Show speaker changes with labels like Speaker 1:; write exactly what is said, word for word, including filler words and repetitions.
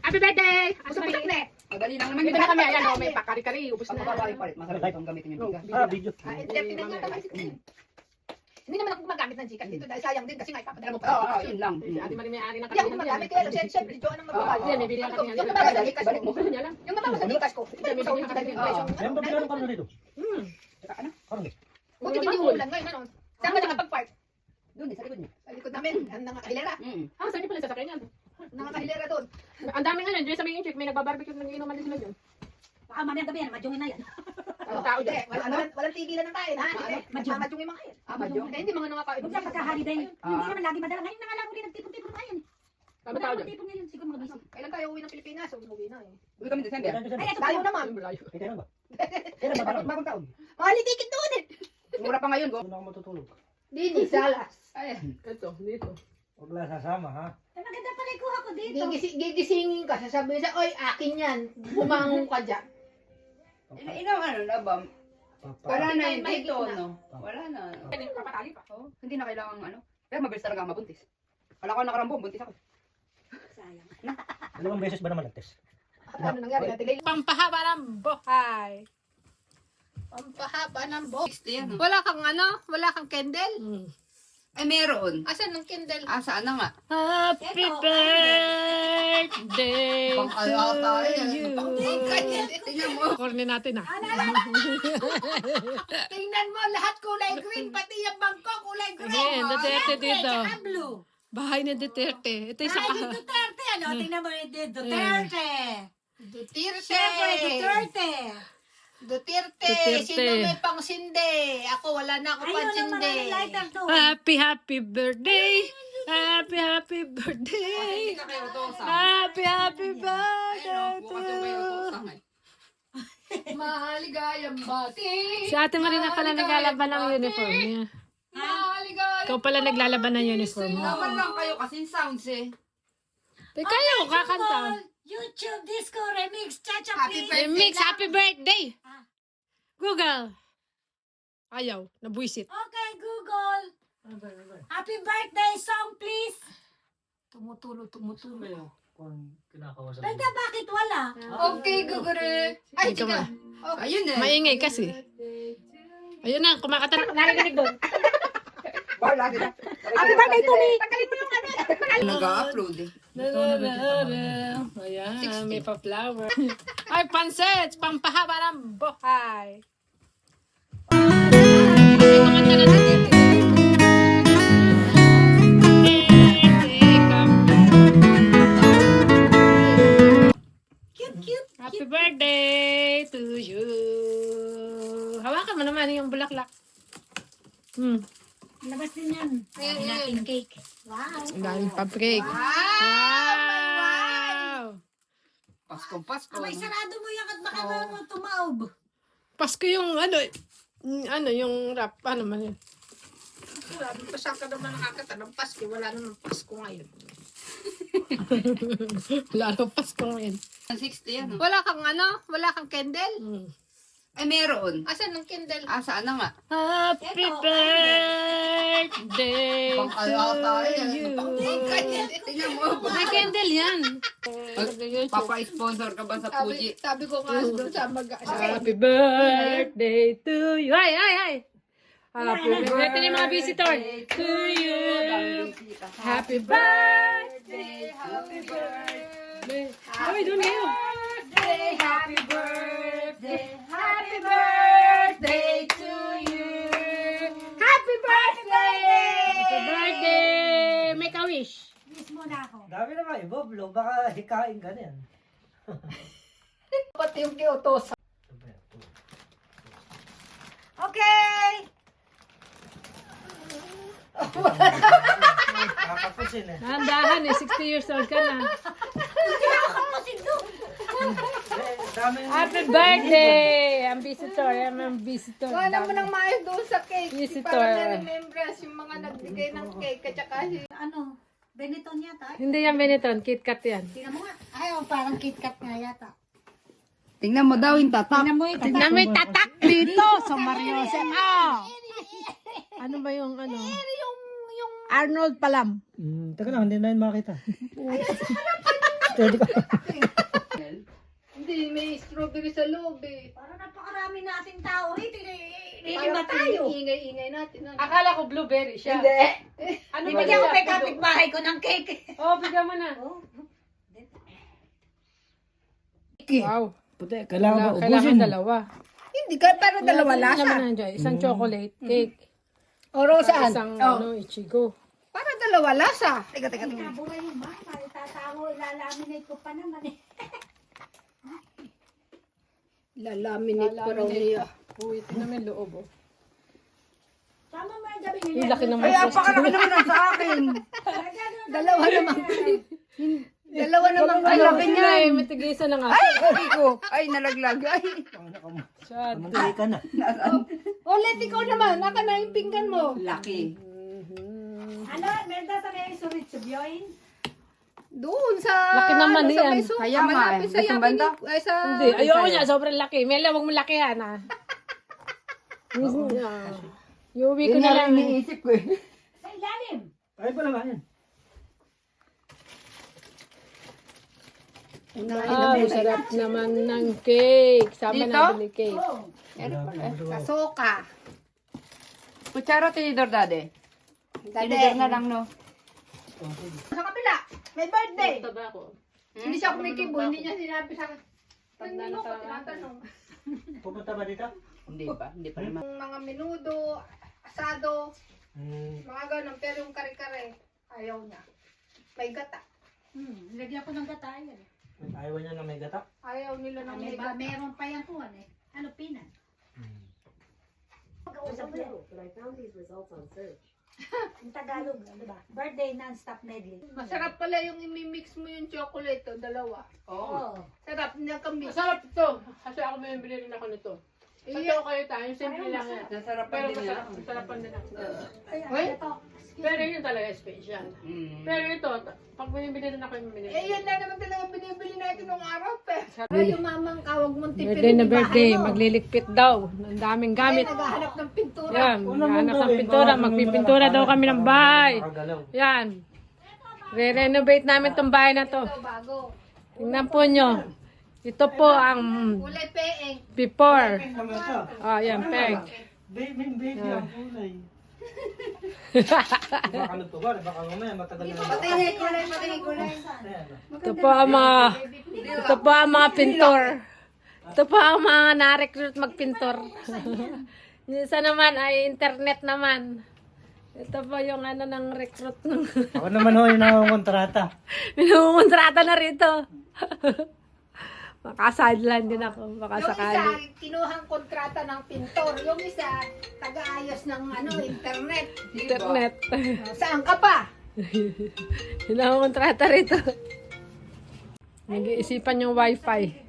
Speaker 1: Happy birthday!
Speaker 2: Gusto mo sakle?
Speaker 3: Madali lang naman.
Speaker 1: Dito na kami, ayan, oh, may pakari-kari, ubos
Speaker 3: Pag
Speaker 1: na.
Speaker 3: mababalit-palit, masarap itong gamitin yung bigas.
Speaker 4: Ah, video.
Speaker 2: Ah, entertainment nga naman. Hindi naman ako gumagamit ng Gcash dito dahil sayang din kasi nga ipapadala mo pa.
Speaker 3: Oo, oo, yun lang.
Speaker 1: Si Ate Marie may ari ng
Speaker 2: Hindi ako gumagamit kaya lang siyempre, siyempre, Joan ang magbabayad.
Speaker 1: Hindi, may bili ka kanina.
Speaker 2: Yung mababa sa Gcash
Speaker 3: Balik
Speaker 2: ko.
Speaker 3: mo.
Speaker 1: Ano niya lang?
Speaker 2: Yung mababa sa Gcash ko. Ibalik mo sa ulit dahil yung presyo.
Speaker 4: Yan ba bilang karne dito?
Speaker 1: Hmm.
Speaker 3: Tsaka ano?
Speaker 4: Karne.
Speaker 2: Buti hindi umulan ngayon, ano? Saan ka nakapag-park?
Speaker 3: Doon, sa likod niya.
Speaker 2: Sa likod namin, ang nakahilera.
Speaker 3: Mm.
Speaker 1: Ah, saan niyo pala sasakyan yan?
Speaker 2: Nakahilera doon.
Speaker 1: Ang dami nga yan, dyan sa may chick, may nagbabarbecue ng inuman din sila dyan.
Speaker 5: Baka mamaya gabi yan, madyungin na yan.
Speaker 1: Ang tao
Speaker 2: Hindi,
Speaker 1: dyan.
Speaker 2: wala- walang walang tigilan ng kain, ha? Hindi,
Speaker 5: Madyong.
Speaker 2: madyong yung mga kain.
Speaker 3: Ah, madyong.
Speaker 2: Eh, hindi mga nakakain.
Speaker 5: Huwag lang pagka-holiday.
Speaker 3: Ah.
Speaker 5: Hindi naman lagi madala. Ngayon na nga lang uli nagtipon-tipon tayo.
Speaker 1: Kami
Speaker 5: Wala
Speaker 1: tao
Speaker 5: akong
Speaker 1: dyan.
Speaker 5: tipon ngayon. Siguro mga busy.
Speaker 2: Kailan tayo uwi ng Pilipinas? Umuwi na eh.
Speaker 3: Uwi kami December.
Speaker 4: Kailan
Speaker 5: Ay,
Speaker 4: December?
Speaker 5: eto
Speaker 2: Tayo
Speaker 5: pa.
Speaker 2: naman.
Speaker 1: Ang layo.
Speaker 4: Eh, kailan ba? Kailan ba? Parang
Speaker 3: Bagong taon.
Speaker 2: Mahal yung ticket doon eh.
Speaker 3: Mura pa ngayon, go.
Speaker 4: doon ako matutulog.
Speaker 2: Dini, salas.
Speaker 3: Ay,
Speaker 1: Ito, dito.
Speaker 4: Huwag lang sasama, ha?
Speaker 5: Ay, maganda pala yung kuha ko dito.
Speaker 2: Gigisi, gigisingin ka, sasabihin sa, oy, akin yan. Bumangon ka dyan.
Speaker 3: ina ina ano na ba?
Speaker 4: Papa.
Speaker 3: Wala na
Speaker 2: Hindi
Speaker 3: yun
Speaker 2: tayo
Speaker 3: dito,
Speaker 2: mahigit na.
Speaker 3: no? Wala na.
Speaker 1: Papatali pa.
Speaker 3: Oh, hindi na kailangan ano. Pero mabilis talaga ang mabuntis. Kala ko nakarambong, buntis ako.
Speaker 5: Sayang.
Speaker 4: Dalawang beses ba naman nag-test?
Speaker 2: Ano nangyari natin?
Speaker 1: Pampahaba ng buhay.
Speaker 2: Pampahaba ng box.
Speaker 3: sixty yan, no?
Speaker 2: Wala kang ano? Wala kang candle?
Speaker 1: Hmm.
Speaker 3: Ay, meron.
Speaker 2: Asan ang candle?
Speaker 3: Ah, saan na nga?
Speaker 1: Happy
Speaker 5: Ito,
Speaker 1: birthday
Speaker 3: Pang alata
Speaker 1: to
Speaker 3: eh.
Speaker 1: you.
Speaker 3: Tingnan mo.
Speaker 1: Korne natin ah.
Speaker 2: Tingnan mo, lahat kulay green, pati yung bangko kulay green.
Speaker 1: Ayan, Duterte dito.
Speaker 5: Tsaka blue.
Speaker 1: Bahay ni Duterte. Ito yung
Speaker 5: Ay,
Speaker 1: saka.
Speaker 5: di Duterte. Ano? Tingnan mo yung Duterte.
Speaker 2: Duterte.
Speaker 5: Siyempre, Duterte.
Speaker 2: Duterte.
Speaker 1: Duterte.
Speaker 2: Sino may pang sinde? Ako, wala na ako
Speaker 5: Ayun
Speaker 2: pang
Speaker 5: ang
Speaker 2: sinde.
Speaker 5: maraming lighter to.
Speaker 1: Happy, happy birthday. Happy, happy birthday.
Speaker 3: Hindi na kayo utosan.
Speaker 1: Happy, happy
Speaker 3: Ayun,
Speaker 1: birthday
Speaker 3: oh,
Speaker 1: to
Speaker 3: bukas yung kayo
Speaker 1: you.
Speaker 3: utosan eh.
Speaker 2: Maligayang bati.
Speaker 1: Si Ate Marina pala naglalaban ng uniform niya.
Speaker 2: Maligayang
Speaker 1: Ikaw pala naglalaban ng uniform mo.
Speaker 3: Naman lang kayo kasi sounds eh.
Speaker 1: Teka kayo, kakanta.
Speaker 5: YouTube Disco Remix. Cha-cha,
Speaker 2: Happy
Speaker 5: please.
Speaker 1: Eh, Mix, happy birthday.
Speaker 5: Ah.
Speaker 1: Google. Ayaw, nabuisit.
Speaker 5: Okay, Google. Happy birthday song, please.
Speaker 2: Tumutulo, tumutulo.
Speaker 4: Kung kinakawasan
Speaker 5: Tanda, bakit wala?
Speaker 2: Okay, gugure. Ay,
Speaker 1: Ikaw
Speaker 2: sige.
Speaker 1: ba?
Speaker 3: Ayun eh.
Speaker 1: Maingay kasi. Ayun na, kumakata. Narinig doon.
Speaker 3: Bar, lagi na.
Speaker 2: Happy birthday to me. Tagalin mo yung ano.
Speaker 3: Nag-upload eh.
Speaker 1: Ayan, may pa-flower. Ay, pansets! Pampahaba ng buhay. Ay, kumanta na natin.
Speaker 5: Cute, cute.
Speaker 1: Happy birthday to you. Hawakan mo naman yung bulaklak. Hmm.
Speaker 5: Labas din yan. Dami natin cake. Wow.
Speaker 1: Ang daming paprika.
Speaker 2: Wow!
Speaker 1: Wow!
Speaker 3: Paskong Pasko.
Speaker 5: Abay, sarado mo yan at baka mo tumaob.
Speaker 1: Pasko yung ano, yung ano, yung rap, ano man yun.
Speaker 2: Wala, pasang ka naman nakakata ng Pasko. Wala naman Pasko ngayon.
Speaker 1: Wala nang Pasko ngayon.
Speaker 3: sixty yan. oh.
Speaker 2: Wala kang ano? Wala kang candle?
Speaker 1: Hmm.
Speaker 3: Ay, meron.
Speaker 2: Asan ang candle?
Speaker 3: Ah, saan na nga?
Speaker 1: Happy
Speaker 5: Ito,
Speaker 1: birthday
Speaker 3: Pang
Speaker 1: to
Speaker 3: alata eh.
Speaker 1: you.
Speaker 3: Tingnan mo.
Speaker 1: May candle yan.
Speaker 3: Papa-sponsor ka ba sa
Speaker 2: Sabi,
Speaker 3: Fuji?
Speaker 2: sabi ko nga doon sa mag...
Speaker 1: Happy birthday to you. Ay, ay, ay. Happy birthday yung mga visitor. To you. Happy birthday.
Speaker 3: Happy birthday.
Speaker 1: Ay, doon kayo.
Speaker 2: Happy birthday! Happy birthday to you! Happy birthday!
Speaker 1: Happy birthday. Make a wish.
Speaker 5: Miss mo na ako.
Speaker 4: Dami na kayo, Boblo. Baka hikain ka na yan.
Speaker 2: Pati yung kiutos.
Speaker 5: Okay.
Speaker 4: Kakapusin eh.
Speaker 1: Dahan-dahan eh. sixty years old ka na.
Speaker 4: Eh, dami yung...
Speaker 1: Happy birthday. Ang visitor. Ang ang visitor.
Speaker 2: Wala mo nang maayos doon sa cake.
Speaker 1: Visitor.
Speaker 2: Para na remembrance yung mga nagbigay ng cake at saka si...
Speaker 5: Ano? Benetton yata.
Speaker 1: Hindi yan Benetton. KitKat yan.
Speaker 5: Tingnan mo nga. Ay, oh, parang KitKat nga yata.
Speaker 3: Tingnan mo daw yung tatak.
Speaker 5: Tingnan mo ito.
Speaker 1: Tignan mo yung tatak dito sa Mario. Ah! Ano ba yung ano? Arnold Palam.
Speaker 4: Hmm, teka lang, hindi na yun makita.
Speaker 2: Hindi, may strawberry sa loob eh.
Speaker 5: Para napakarami nating tao rito. Hindi
Speaker 2: Para
Speaker 5: ba tayo?
Speaker 2: ingay-ingay natin. Ano?
Speaker 1: Akala ko blueberry siya.
Speaker 3: Hindi.
Speaker 1: Ano ba
Speaker 5: Bibigyan ko
Speaker 1: siya?
Speaker 5: kay kapitbahay ko ng cake.
Speaker 1: Oh, bigyan mo na.
Speaker 5: Oh.
Speaker 1: Wow.
Speaker 4: Puti, kailangan ba
Speaker 1: Kailangan, kailangan
Speaker 4: ubusin?
Speaker 1: dalawa.
Speaker 2: Hindi ka, pero dalawa
Speaker 1: Wala
Speaker 2: lasa.
Speaker 1: naman nandiyan. Isang chocolate cake.
Speaker 2: Oro saan?
Speaker 1: Isang
Speaker 2: Oh.
Speaker 1: ano, ichigo.
Speaker 2: Para dalawa lasa. Teka, teka,
Speaker 5: Ay,
Speaker 2: teka.
Speaker 5: kabura yung ma. Tatago, ilalaminate ko pa naman eh.
Speaker 2: Lalaminate ko raw niya.
Speaker 1: Uy, ito naman loob oh.
Speaker 5: Tama mo yung gabi
Speaker 1: Yung laki naman.
Speaker 3: Ay, apakalaki naman ang sa akin.
Speaker 2: Dalawa naman. Dalawa naman.
Speaker 3: Ay, laki niya.
Speaker 1: Ay, matigisan na nga.
Speaker 3: Ay, ay ko. Ay, nalaglag. Ay.
Speaker 1: Siya.
Speaker 4: Mamantali ka na.
Speaker 2: Ulit, ikaw naman. Naka na yung pinggan mo.
Speaker 3: Laki.
Speaker 5: Ano, Merda sa may surit subyoin?
Speaker 2: Doon sa...
Speaker 1: Laki naman
Speaker 2: ano, sa
Speaker 1: yan.
Speaker 2: may sofa,
Speaker 3: Kaya nga,
Speaker 2: malapit sa
Speaker 3: gusto
Speaker 2: yakin
Speaker 3: banda?
Speaker 2: ni- Ay, sa...
Speaker 1: Hindi, ayoko niya. Sobrang laki. Mela, huwag mo lakihan ah. Iuwi ko
Speaker 3: Yun
Speaker 1: na
Speaker 3: na
Speaker 1: lang.
Speaker 3: lang iniisip ko eh.
Speaker 5: Sa ilalim.
Speaker 4: Ay pala ba yan?
Speaker 1: Ah, sarap naman ng cake. Sama
Speaker 3: Dito?
Speaker 1: na bili cake.
Speaker 5: Oh.
Speaker 2: Sa soka.
Speaker 3: Kutsara, tinidor, dade.
Speaker 2: Dade.
Speaker 3: Tinidor na lang, no?
Speaker 2: Sa kapila, may birthday.
Speaker 1: Taba ko.
Speaker 2: Hindi siya kumikibo, hindi niya sinabi sa akin.
Speaker 1: Tanda
Speaker 2: Hindi
Speaker 1: na
Speaker 2: mo ko
Speaker 1: sa-
Speaker 2: tinatanong.
Speaker 4: Pupunta ba dito?
Speaker 3: Hindi pa, hindi pa naman.
Speaker 2: Yung mga menudo, asado,
Speaker 4: Hmm.
Speaker 2: mga ganun. Pero yung kare-kare, ayaw niya. May gata.
Speaker 5: Hmm, lagyan ko ng gatayan.
Speaker 4: Ayaw niya na may gata.
Speaker 2: Ayaw nila ng
Speaker 5: May
Speaker 2: may
Speaker 5: ba,
Speaker 2: gata.
Speaker 5: meron pa yan kuhan eh. Ano, pinan? Pag-uusap mo. Yung Tagalog, di ba? Birthday non-stop medley.
Speaker 2: Masarap pala yung imimix mo yung chocolate, oh, dalawa.
Speaker 3: Oo.
Speaker 5: Oh.
Speaker 2: Sarap niya kami.
Speaker 1: Masarap ito. Kasi ako may bili rin ako nito. Sa
Speaker 2: Iya.
Speaker 1: kayo tayo, yung simple lang yan.
Speaker 3: Nasarapan
Speaker 1: Pero
Speaker 3: din
Speaker 1: masarap,
Speaker 3: nila.
Speaker 1: masarapan din ako.
Speaker 5: Ay,
Speaker 2: Hoy?
Speaker 5: ito.
Speaker 1: Pero yun talaga special.
Speaker 3: Mm.
Speaker 1: Pero ito, ta- pag bumibili rin ako yung binibili.
Speaker 2: Eh, yan na naman talaga binibili natin nung araw, pe. Pero yung mamang kawag mong tipid
Speaker 1: Birthday na
Speaker 2: yung
Speaker 1: birthday,
Speaker 2: bahay mo.
Speaker 1: magliligpit daw. Ang daming
Speaker 2: Ay,
Speaker 1: gamit.
Speaker 2: naghahanap ng pintura.
Speaker 1: Yan,
Speaker 4: Una mo
Speaker 1: hanap ng
Speaker 4: gawin,
Speaker 1: pintura.
Speaker 4: baka
Speaker 1: Magpipintura daw kami ng bahay.
Speaker 4: Makagalaw.
Speaker 1: Yan. Re-renovate namin tong bahay na to.
Speaker 2: Ito, bago.
Speaker 1: Tingnan po nyo. Ito po ang
Speaker 2: Kulay peeng.
Speaker 1: before.
Speaker 4: Tama ito.
Speaker 1: Ah, yan, peg.
Speaker 4: Baby, baby ang kulay. Baka nagtubar, baka mamaya matagal na lang.
Speaker 2: Patingin kulay, patingin kulay.
Speaker 4: Ayan.
Speaker 1: Ito po ang mga, ito po ang mga pintor. Ito po ang mga na-recruit magpintor. Yung isa naman ay internet naman. Ito po yung ano ng recruit ng
Speaker 4: Ako naman ho yung nangungontrata.
Speaker 2: Yung
Speaker 1: Minungontrata na rito. Maka-sideline din ako, baka
Speaker 2: isa,
Speaker 1: sakali.
Speaker 2: kinuhang kontrata ng pintor. Yung isa, taga-ayos ng ano, internet.
Speaker 1: Internet.
Speaker 2: Saan ka pa?
Speaker 1: Minungontrata rito. Nag-iisipan yung wifi.